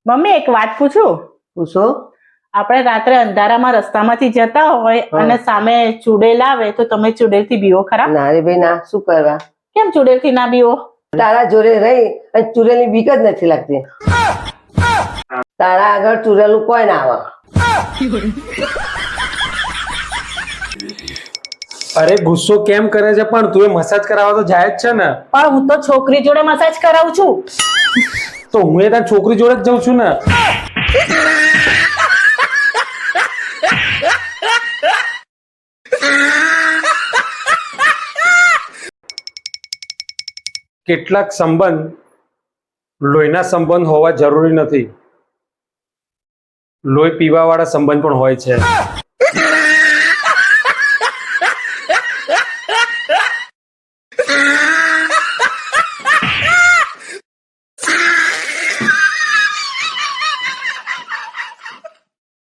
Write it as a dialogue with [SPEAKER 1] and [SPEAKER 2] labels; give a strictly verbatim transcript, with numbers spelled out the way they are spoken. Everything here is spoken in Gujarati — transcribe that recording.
[SPEAKER 1] મમ્મી એક વાત પૂછું?
[SPEAKER 2] પૂછો.
[SPEAKER 1] આપણે રાત્રે અંધારામાં રસ્તામાંથી જતા હોય અને સામે ચુડેલ આવે તો તમે ચુડેલ થી બીવો ખરા?
[SPEAKER 2] ના રે ભાઈ ના, શું કરવા?
[SPEAKER 1] કેમ ચુડેલ થી ના બીવો?
[SPEAKER 2] તારા જોડે રહી અને ચુડેલની બીક જ નથી લાગતી. તારા આગળ ચુડેલું કોઈ ના આવે.
[SPEAKER 3] અરે ગુસ્સો કેમ કરે છે? પણ તું એ મસાજ કરાવવા તો જાય જ છે ને.
[SPEAKER 1] પણ હું તો છોકરી જોડે મસાજ કરાવું છું.
[SPEAKER 3] તો હું એ તારી છોકરી જોડે જ જઉં છું ને. કેટલાક સંબંધ લોહીના સંબંધ હોવા જરૂરી નથી. લોહી પીવા વાળા સંબંધ પણ હોય છે.